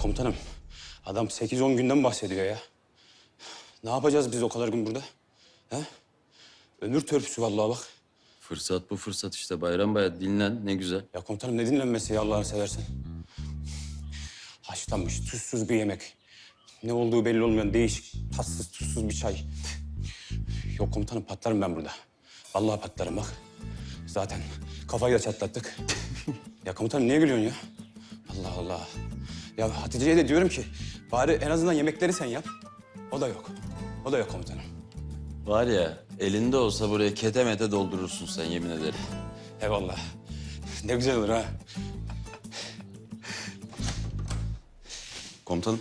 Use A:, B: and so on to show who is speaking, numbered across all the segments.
A: komutanım, adam 8-10 günden bahsediyor ya. Ne yapacağız biz o kadar gün burada? He? Ömür törpüsü vallahi bak.
B: Fırsat bu fırsat işte Bayram Baya dinlen ne güzel.
A: Ya komutanım ne dinlenmesi ya Allah'ını seversen. Haşlanmış, tuzsuz bir yemek. Ne olduğu belli olmayan değişik, tatsız, tuzsuz bir çay. Yok komutanım patlarım ben burada. Vallahi patlarım bak. Zaten kafayı da çatlattık. Ya komutanım niye gülüyorsun ya? Allah Allah. Ya Hatice'ye de diyorum ki bari en azından yemekleri sen yap. O da yok. O da yok komutanım.
B: Var ya elinde olsa buraya ketemete doldurursun sen yemin ederim.
A: Eyvallah. Ne güzel olur ha.
B: Komutanım.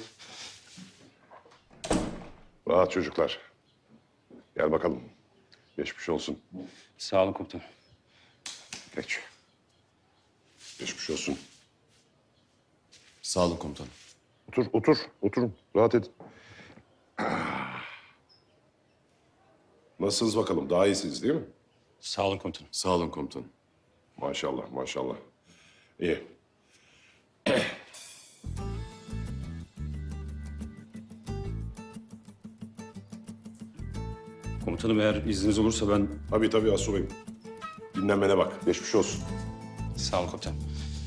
C: Rahat çocuklar. Gel bakalım. Geçmiş olsun.
A: Sağ olun komutanım.
C: Geç. Geçmiş olsun.
B: Sağ olun komutanım.
C: Otur, otur. Oturun. Rahat edin. Nasılsınız bakalım? Daha iyisiniz değil mi?
A: Sağ olun komutanım.
B: Sağ olun komutanım.
C: Maşallah, maşallah. İyi.
A: Komutanım eğer izniniz olursa ben...
C: Tabii asubayım. Dinlenmene bak. Geçmiş olsun.
A: Sağ olun komutanım.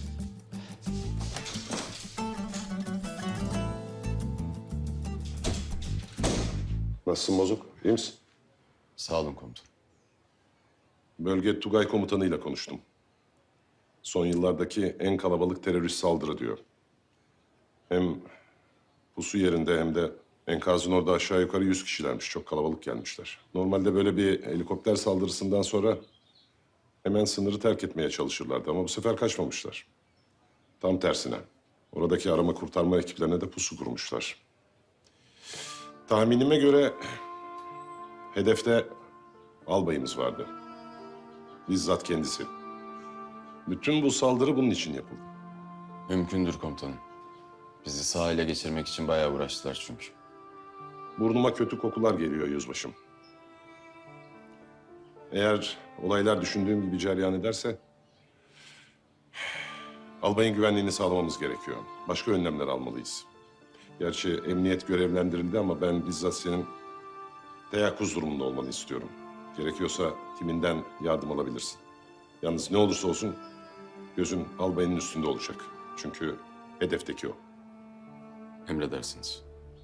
C: Nasılsın Bozuk? İyi misin?
B: Sağ olun komutanım.
C: Bölge Tugay komutanıyla konuştum. Son yıllardaki en kalabalık terörist saldırı diyor. Hem pusu yerinde hem de enkazın orada aşağı yukarı 100 kişilermiş. Çok kalabalık gelmişler. Normalde böyle bir helikopter saldırısından sonra hemen sınırı terk etmeye çalışırlardı ama bu sefer kaçmamışlar. Tam tersine. Oradaki arama kurtarma ekiplerine de pusu kurmuşlar. Tahminime göre hedefte albayımız vardı. Bizzat kendisi. Bütün bu saldırı bunun için yapıldı.
B: Mümkündür komutanım. Bizi sağ ele geçirmek için bayağı uğraştılar çünkü.
C: Burnuma kötü kokular geliyor yüzbaşım. Eğer olaylar düşündüğüm gibi cereyan ederse... albayın güvenliğini sağlamamız gerekiyor. Başka önlemler almalıyız. Gerçi emniyet görevlendirildi ama ben bizzat senin teyakkuz durumunda olmanı istiyorum. Gerekiyorsa timinden yardım alabilirsin. Yalnız ne olursa olsun gözün albayının üstünde olacak. Çünkü hedefteki o.
B: Emredersiniz.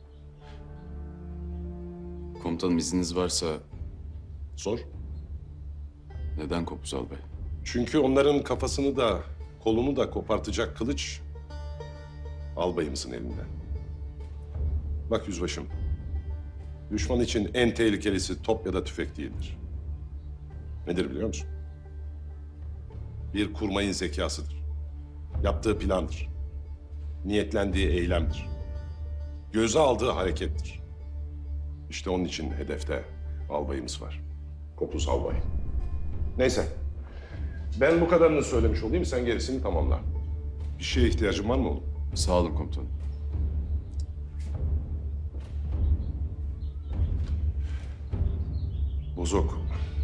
B: Komutanım izniniz varsa
C: Sor.
B: neden Kopuz Albay?
C: Çünkü onların kafasını da kolunu da kopartacak kılıç albayımızın elinde. Bak yüzbaşım, düşman için en tehlikelisi top ya da tüfek değildir. Nedir biliyor musun? Bir kurmayın zekasıdır. Yaptığı plandır. Niyetlendiği eylemdir. Göze aldığı harekettir. İşte onun için hedefte albayımız var. Kopuz albay. Neyse. Ben bu kadarını söylemiş olayım, sen gerisini tamamla. Bir şeye ihtiyacın var mı oğlum?
B: Sağ olun komutanım.
C: Bozok.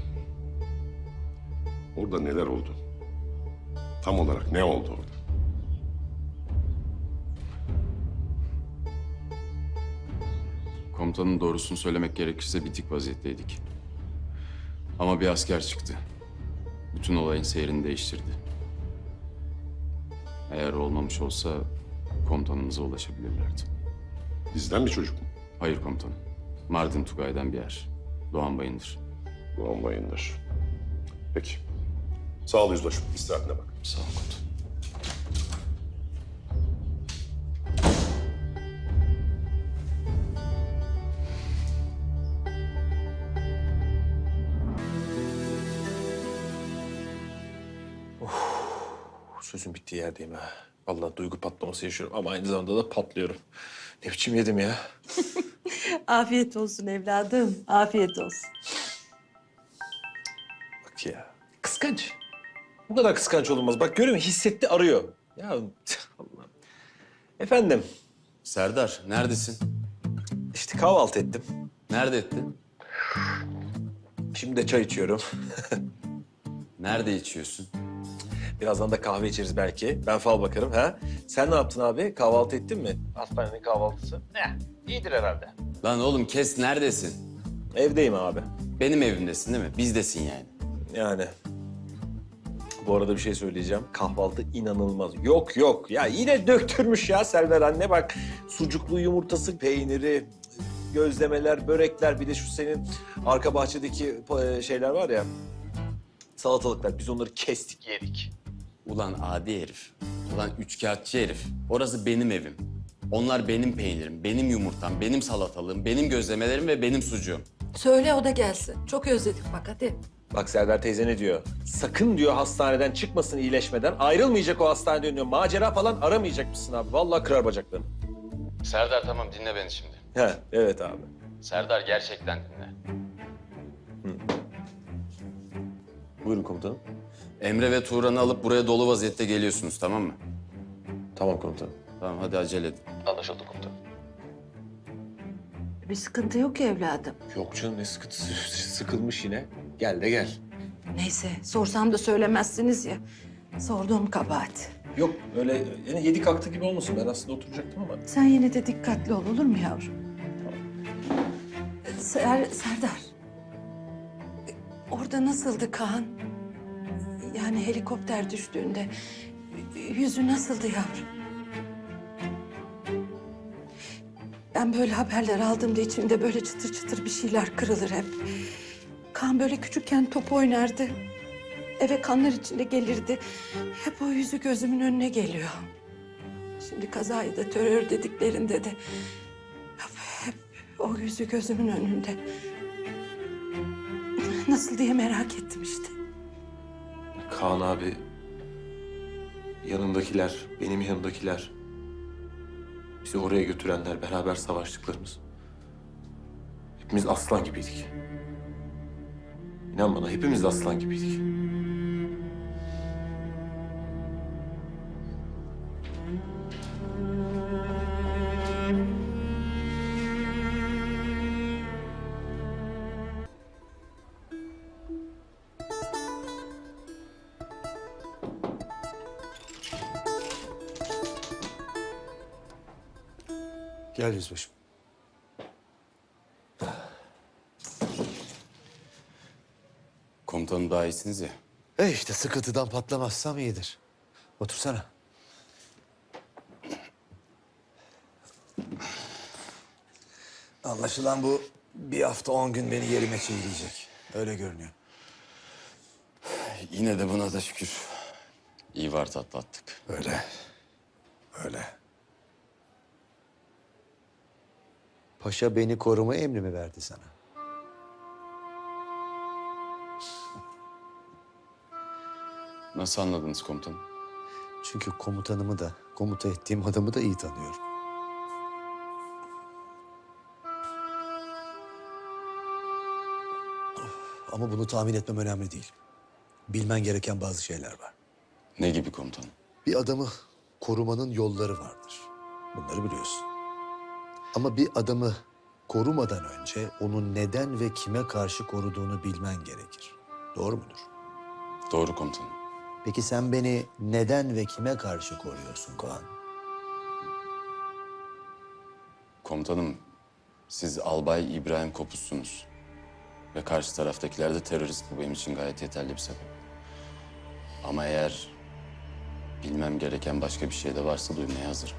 C: Orada neler oldu? Tam olarak ne oldu orada?
B: Komutanın doğrusunu söylemek gerekirse bitik vaziyetteydik. Ama bir asker çıktı. Bütün olayın seyrini değiştirdi. Eğer olmamış olsa komutanımıza ulaşabilirlerdi.
C: Bizden bir çocuk mu?
B: Hayır komutanım. Mardin Tugay'dan bir yer. Doğan Bayındır.
C: Doğan Bayındır. Peki. Sağ ol yüzbaşım. İstirahatine bak.
B: Sağ olun komutanım.
D: Sözün bittiği yerdeyim ha. Vallahi duygu patlaması yaşıyorum ama aynı zamanda da patlıyorum. Ne biçim yedim ya?
E: Afiyet olsun evladım, afiyet olsun.
D: Bak ya. Kıskanç. Bu kadar kıskanç olunmaz. Bak görüyor musun? Hissetti arıyor. Ya Allah'ım. Efendim,
B: Serdar neredesin?
D: işte kahvaltı ettim.
B: Nerede ettin?
D: Şimdi de çay içiyorum.
B: Nerede içiyorsun?
D: Birazdan da kahve içeriz belki. Ben fal bakarım ha. Sen ne yaptın abi? Kahvaltı ettin mi? Hastanenin kahvaltısı. Ne? İyidir herhalde.
B: Lan oğlum kes, neredesin?
D: Evdeyim abi.
B: Benim evimdesin değil mi? Bizdesin yani.
D: Yani. Bu arada bir şey söyleyeceğim. Kahvaltı inanılmaz. Yok yok. Ya yine döktürmüş ya Selver anne bak. Sucuklu yumurtası, peyniri, gözlemeler, börekler. Bir de şu senin arka bahçedeki şeyler var ya. Salatalıklar. Biz onları kestik yedik.
B: Ulan adi herif. Ulan üçkağıtçı herif. Orası benim evim. Onlar benim peynirim, benim yumurtam, benim salatalığım, benim gözlemelerim ve benim sucuğum.
E: Söyle o da gelsin. Çok özledik bak hadi.
D: Bak Selver teyze ne diyor? Sakın diyor hastaneden çıkmasın iyileşmeden. Ayrılmayacak o hastaneden diyor. Macera falan aramayacakmışsın abi. Vallahi kırar bacaklarını.
B: Serdar tamam dinle beni şimdi.
D: He, evet abi.
B: Serdar gerçekten dinle.
D: Buyurun komutanım.
B: Emre ve Turan'ı alıp buraya dolu vaziyette geliyorsunuz tamam mı?
D: Tamam komutanım.
B: Tamam hadi acele edin.
D: Anlaşıldı komutanım.
E: Bir sıkıntı yok ki evladım.
D: Yok canım ne sıkıntısı. Sıkılmış yine. Gel de gel.
E: Neyse sorsam da söylemezsiniz ya. Sorduğum kabahat.
D: Yok öyle yani yedi kalktı gibi olmasın. Ben aslında oturacaktım ama.
E: Sen yine de dikkatli ol olur mu yavrum? Serdar. Orada nasıldı Kaan? Yani helikopter düştüğünde yüzü nasıldı yavrum? Ben böyle haberler aldığımda içimde böyle çıtır çıtır bir şeyler kırılır hep. Kaan böyle küçükken top oynardı. Eve kanlar içinde gelirdi. Hep o yüzü gözümün önüne geliyor. Şimdi kazayı da terör dediklerinde de hep o yüzü gözümün önünde. Nasıl diye merak ettim işte.
D: Kaan abi, yanındakiler, benim yanımdakiler, bizi oraya götürenler, beraber savaştıklarımız. Hepimiz aslan gibiydik. İnan bana hepimiz de aslan gibiydik.
F: Gel yüzbaşım.
B: Komutanım daha iyisiniz ya.
F: İşte sıkıntıdan patlamazsam iyidir. Otursana. Anlaşılan bu bir hafta 10 gün beni yerime çiğneyecek. Öyle görünüyor.
B: Yine de buna da şükür. İyi var atlattık.
F: Öyle. Öyle. Paşa beni koruma emri mi verdi sana?
B: Nasıl anladınız komutanım?
F: Çünkü komutanımı da, komuta ettiğim adamı da iyi tanıyorum. Ama bunu tahmin etmem önemli değil. Bilmen gereken bazı şeyler var.
B: Ne gibi komutanım?
F: Bir adamı korumanın yolları vardır. Bunları biliyorsun. Ama bir adamı korumadan önce onu neden ve kime karşı koruduğunu bilmen gerekir. Doğru mudur?
B: Doğru komutanım.
F: Peki sen beni neden ve kime karşı koruyorsun Kaan?
B: Komutanım, siz Albay İbrahim Kopuz'sunuz. Ve karşı taraftakiler de terörist, bu benim için gayet yeterli bir sebep. Ama eğer bilmem gereken başka bir şey de varsa duymaya hazırım.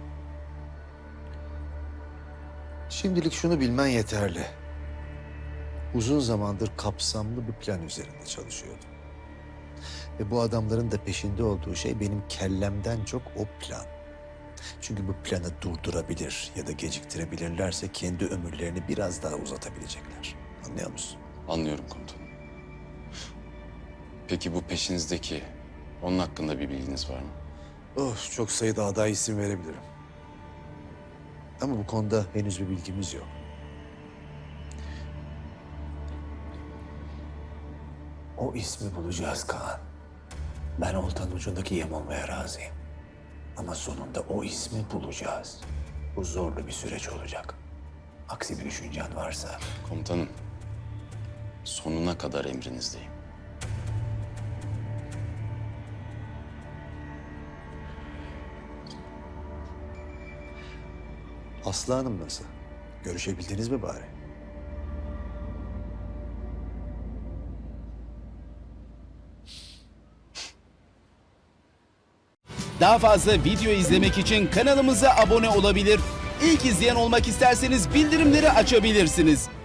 F: Şimdilik şunu bilmen yeterli. Uzun zamandır kapsamlı bir plan üzerinde çalışıyordum. Ve bu adamların da peşinde olduğu şey benim kellemden çok o plan. Çünkü bu planı durdurabilir ya da geciktirebilirlerse kendi ömürlerini biraz daha uzatabilecekler. Anlıyor musun?
B: Anlıyorum komutanım. Peki bu peşinizdeki, onun hakkında bir bilginiz var mı?
F: Oh, çok sayıda aday isim verebilirim. Ama bu konuda henüz bir bilgimiz yok. O ismi bulacağız Kaan. Ben oltanın ucundaki yem olmaya razıyım. Ama sonunda o ismi bulacağız. Bu zorlu bir süreç olacak. Aksi bir düşüncen varsa...
B: Komutanım, sonuna kadar emrinizdeyim.
F: Aslı Hanım nasıl? Görüşebildiniz mi bari?
G: Daha fazla video izlemek için kanalımıza abone olabilir. İlk izleyen olmak isterseniz bildirimleri açabilirsiniz.